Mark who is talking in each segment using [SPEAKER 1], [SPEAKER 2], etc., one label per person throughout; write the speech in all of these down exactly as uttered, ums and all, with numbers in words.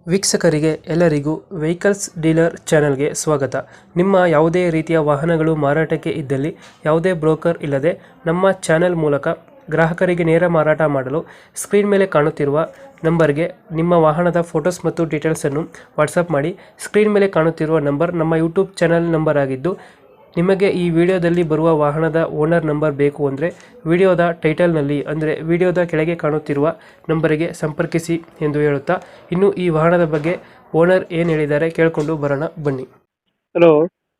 [SPEAKER 1] ವೀಕ್ಷಕರಿಗೆ ಎಲ್ಲರಿಗೂ vehicles dealer ಚಾನೆಲ್ಗೆ ಸ್ವಾಗತ. ನಿಮ್ಮ ಯಾವುದೇ ರೀತಿಯ ವಾಹನಗಳು ಮಾರಾಟಕ್ಕೆ ಇದ್ದಲ್ಲಿ ಯಾವುದೇ ಬ್ರೋಕರ್ ಇಲ್ಲದೆ ನಮ್ಮ ಚಾನೆಲ್ ಮೂಲಕ ಗ್ರಾಹಕರಿಗೆ ನೇರ ಮಾರಾಟ ಮಾಡಲು ಸ್ಕ್ರೀನ್ ಮೇಲೆ ಕಾಣುತ್ತಿರುವ ನಂಬರ್ಗೆ ನಿಮ್ಮ ವಾಹನದ ಫೋಟೋಸ್ ಮತ್ತು ಡೀಟೇಲ್ಸನ್ನು ವಾಟ್ಸಪ್ ಮಾಡಿ. ಸ್ಕ್ರೀನ್ ಮೇಲೆ ಕಾಣುತ್ತಿರುವ ನಂಬರ್ ನಮ್ಮ ಯೂಟ್ಯೂಬ್ ಚಾನೆಲ್ ನಂಬರ್ ಆಗಿದ್ದು, ನಿಮಗೆ ಈ ವಿಡಿಯೋದಲ್ಲಿ ಬರುವ ವಾಹನದ ಓನರ್ ನಂಬರ್ ಬೇಕು ಅಂದರೆ ವಿಡಿಯೋದ ಟೈಟಲ್ನಲ್ಲಿ ಅಂದರೆ ವಿಡಿಯೋದ ಕೆಳಗೆ ಕಾಣುತ್ತಿರುವ ನಂಬರಿಗೆ ಸಂಪರ್ಕಿಸಿ ಎಂದು ಹೇಳುತ್ತಾ, ಇನ್ನು ಈ ವಾಹನದ ಬಗ್ಗೆ ಓನರ್ ಏನು ಹೇಳಿದ್ದಾರೆ ಕೇಳಿಕೊಂಡು ಬರೋಣ ಬನ್ನಿ. ಹಲೋ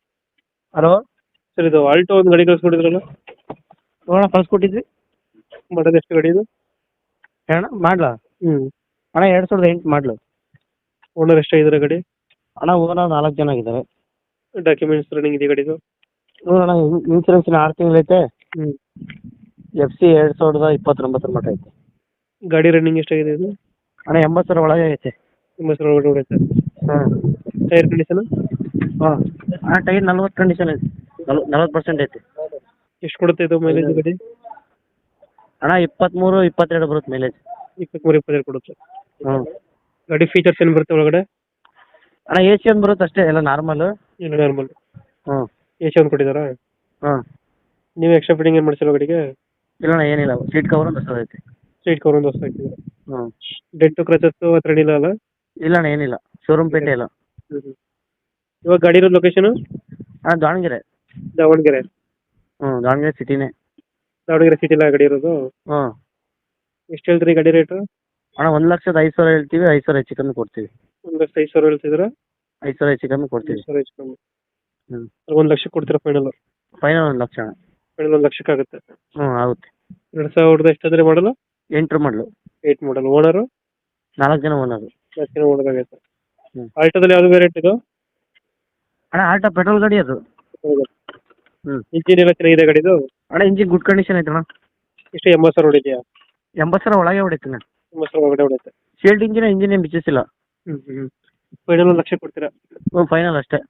[SPEAKER 2] ಹಲೋ
[SPEAKER 1] ಸರ್, ಇದು ಆಲ್ಟೋ ಒಂದು ಗಾಡಿ ಕಳಿಸ್ಕೊಟ್ಟಿದ್ರಲ್ಲ,
[SPEAKER 2] ನೋಡೋಣ ಕಳ್ಸ್ಕೊಟ್ಟಿದ್ವಿ.
[SPEAKER 1] ಮಾಡೋದು ಎಷ್ಟು ಗಾಡಿ ಇದು?
[SPEAKER 2] ಅಣ್ಣ ಮಾಡ್ಲಾ
[SPEAKER 1] ಹ್ಞೂ
[SPEAKER 2] ಅಣ್ಣ ಎರಡು ಸಾವಿರದ ಎಂಟು ಮಾಡ್ಲು
[SPEAKER 1] ಓನರ್ ಎಷ್ಟಾಗಿದ್ದಾರೆ ಗಾಡಿ?
[SPEAKER 2] ಅಣ್ಣ ಓನರ್ ನಾಲ್ಕು ಜನ ಆಗಿದ್ದಾರೆ.
[SPEAKER 1] ಡಾಕ್ಯುಮೆಂಟ್ಸ್ ರನ್ನಿಂಗ್ ಇದೆ ಗಾಡಿದು?
[SPEAKER 2] ನೋಡೋಣ ಇನ್ಸೂರೆನ್ಸ್ ಆರು ತಿಂಗಳೈತೆ.
[SPEAKER 1] ಹ್ಞೂ
[SPEAKER 2] ಎಫ್ ಸಿ ಎರಡು ಸಾವಿರದ ಇಪ್ಪತ್ತೊಂಬತ್ತರ ಮಟ್ಟ ಐತೆ.
[SPEAKER 1] ಗಾಡಿ ರನ್ನಿಂಗ್ ಎಷ್ಟಾಗಿದೆ ಇದು?
[SPEAKER 2] ಅಣ್ಣ ಎಂಬತ್ತು ಸಾವಿರ ಒಳಗೆ ಐತೆ.
[SPEAKER 1] ಎಂಬತ್ತು ಸಾವಿರ ಒಳಗಡೆ ಹೊಡೆಯುತ್ತೆ.
[SPEAKER 2] ಹಾಂ
[SPEAKER 1] ಟೈರ್ ಕಂಡೀಷನ್?
[SPEAKER 2] ಹಾಂ ಅಣ್ಣ ಟೈರ್ ನಲ್ವತ್ತು ಕಂಡೀಷನ್ ಐತೆ, ನಲ್ ನಲ್ವತ್ತು ಪರ್ಸೆಂಟ್ ಐತೆ.
[SPEAKER 1] ಎಷ್ಟು ಕೊಡುತ್ತೆ ಇದು ಮೈಲೇಜ್ ಗಾಡಿ?
[SPEAKER 2] ಅಣ್ಣ ಇಪ್ಪತ್ತ್ಮೂರು ಇಪ್ಪತ್ತೆರಡು ಬರುತ್ತೆ ಮೈಲೇಜ್.
[SPEAKER 1] ಇಪ್ಪತ್ತ್ಮೂರು ಇಪ್ಪತ್ತೆರಡು ಕೊಡುತ್ತೆ.
[SPEAKER 2] ಹ್ಞೂ
[SPEAKER 1] ಗಾಡಿ ಫೀಚರ್ಸ್ ಏನು ಬರುತ್ತೆ ಒಳಗಡೆ?
[SPEAKER 2] ಅಣ್ಣ ಎ ಸಿ ಒಂದು ಬರುತ್ತೆ ಅಷ್ಟೇ, ಎಲ್ಲ ನಾರ್ಮಲ್.
[SPEAKER 1] ಇಲ್ಲ ನಾರ್ಮಲ್
[SPEAKER 2] ಹ್ಞೂ
[SPEAKER 1] ಎ ಸಿ ಒಂದು ಕೊಟ್ಟಿದ್ದಾರಾ?
[SPEAKER 2] ಹಾಂ
[SPEAKER 1] ನೀವು ಎಕ್ಸ್ಟ್ರಾ ಫಿಟ್ಟಿಂಗ್ ಏನು ಮಾಡಿಸಿಲ್ಲ ಗಾಡಿಗೆ?
[SPEAKER 2] ಇಲ್ಲ ಅಣ್ಣ ಏನಿಲ್ಲ, ಸೀಟ್ ಕವರ್ ಒಂದು ಹೊಸದು ಐತೆ.
[SPEAKER 1] ಸೀಟ್ ಕವರ್ ಒಂದು ಹೊಸ ಹಾಕಿದ್ದೀರಾ?
[SPEAKER 2] ಹ್ಞೂ
[SPEAKER 1] ಡೆಂಟು ಕ್ರಚಸ್ಸು ಹತ್ರ ಏನಿಲ್ಲ ಅಲ್ಲ?
[SPEAKER 2] ಇಲ್ಲ ಅಣ್ಣ ಏನಿಲ್ಲ, ಶೋರೂಮ್ ಪೇಟೆ ಇಲ್ಲ.
[SPEAKER 1] ಹ್ಞೂ ಹ್ಞೂ ಇವಾಗ ಗಾಡಿ ಇರೋದು ಲೊಕೇಶನು?
[SPEAKER 2] ಅಣ್ಣ ದಾವಣಗೆರೆ.
[SPEAKER 1] ದಾವಣಗೆರೆ?
[SPEAKER 2] ಹ್ಞೂ ದಾವಣಗೆರೆ ಸಿಟಿನೇ.
[SPEAKER 1] ದಾವಣಗೆರೆ ಸಿಟಿಲ ಗಾಡಿ ಇರೋದು?
[SPEAKER 2] ಹ್ಞೂ
[SPEAKER 1] ಎಷ್ಟು ಹೇಳ್ತೀರಿ ಗಾಡಿ ರೇಟು?
[SPEAKER 2] ಅಣ್ಣ ಒಂದು ಲಕ್ಷದ ಐದು ಸಾವಿರ ಹೇಳ್ತೀವಿ, ಐದು ಸಾವಿರ ಹೆಚ್ಚು ಕಮ್ಮಿ ಕೊಡ್ತೀವಿ.
[SPEAKER 1] ಒಂದು ಲಕ್ಷ ಐದು ಸಾವಿರ ಹೇಳ್ತಿದ್ದೀರಾ?
[SPEAKER 2] ಐದು ಸಾವಿರ ಹೆಚ್ಚು ಕಮ್ಮಿ ಕೊಡ್ತೀವಿ.
[SPEAKER 1] ಐದು ಸಾವಿರ ಹೆಚ್ಚು ಕಮ್ಮಿ.
[SPEAKER 2] ಹ್ಞೂ
[SPEAKER 1] ಒಂದು ಲಕ್ಷಕ್ಕೆ ಕೊಡ್ತೀರಾ ಫೈನಲ್?
[SPEAKER 2] ಫೈನಲ್ ಒಂದು ಲಕ್ಷ ಅಣ್ಣ.
[SPEAKER 1] ಫೈನಲ್ ಒಂದು ಲಕ್ಷಕ್ಕೆ ಆಗುತ್ತೆ.
[SPEAKER 2] ಹ್ಞೂ ಆಗುತ್ತೆ.
[SPEAKER 1] ಎರಡು ಸಾವಿರದ ಎಷ್ಟಾದರೆ ಮಾಡಲು?
[SPEAKER 2] ಎಂಟು ಮಾಡಲು.
[SPEAKER 1] Eight model. ಓನರು?
[SPEAKER 2] ನಾಲ್ಕು ಜನ ಓನರು.
[SPEAKER 1] ನಾಲ್ಕು ಜನ ಓನರ್ ಆಗೈತೆ.
[SPEAKER 2] ಹ್ಞೂ
[SPEAKER 1] ಆಲ್ಟೋದಲ್ಲಿ ಯಾವುದು ವೇರಿಯಂಟ್ ಇದು?
[SPEAKER 2] ಅಣ್ಣ ಆಲ್ಟೋ ಪೆಟ್ರೋಲ್ ಗಾಡಿ ಅದು. ಹ್ಞೂ
[SPEAKER 1] ಇಂಜಿನ್ ಎಲ್ಲ ಚೆನ್ನಾಗಿದೆ ಗಾಡಿದು?
[SPEAKER 2] ಅಣ್ಣ ಇಂಜಿನ್ ಗುಡ್ ಕಂಡೀಷನ್ ಐತೆ ಅಣ್ಣ.
[SPEAKER 1] ಎಷ್ಟು ಎಂಬತ್ತು ಸಾವಿರ ಹೊಡಿದೆಯಾ?
[SPEAKER 2] ಎಂಬತ್ತು ಸಾವಿರ ಒಳಗೆ ಹೊಡಿತೀನಿ ಅಣ್ಣ.
[SPEAKER 1] ಎಂಬತ್ತು ಸಾವಿರ ಒಳಗಡೆ ಹೊಡೆಯುತ್ತೆ.
[SPEAKER 2] ಶೀಲ್ಡ್ ಇಂಜಿನ್ ಇಂಜಿನ್ ಏನು ಬಿಚ್ಚಿಸಿಲ್ಲ.
[SPEAKER 1] ಹ್ಞೂ ಹ್ಞೂ ಫೈನಲ್ ಒಂದು ಲಕ್ಷ ಕೊಡ್ತೀರಾ?
[SPEAKER 2] ಹ್ಞೂ ಫೈನಲ್ ಅಷ್ಟೇ.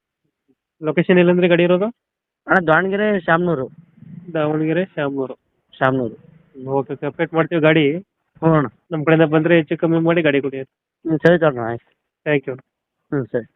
[SPEAKER 1] ಲೊಕೇಶನ್ ಎಲ್ಲಂದ್ರೆ ಗಾಡಿ ಇರೋದು?
[SPEAKER 2] ಅಣ್ಣ Davanagere Shamanur.
[SPEAKER 1] Davanagere Shamanur.
[SPEAKER 2] Shamanur.
[SPEAKER 1] Okay okay update ಮಾಡ್ತೀವಿ ಗಾಡಿ.
[SPEAKER 2] ಹ್ಞೂ ಅಣ್ಣ.
[SPEAKER 1] ನಮ್ಮ ಕಡೆಯಿಂದ ಬಂದರೆ ಹೆಚ್ಚು ಕಮ್ಮಿ ಮಾಡಿ ಗಾಡಿ ಕೊಡಿ.
[SPEAKER 2] ಹ್ಞೂ ಸರಿ ತಗೋಣ ಆಯ್ತು.
[SPEAKER 1] Thank you.
[SPEAKER 2] ಹ್ಞೂ ಸರಿ.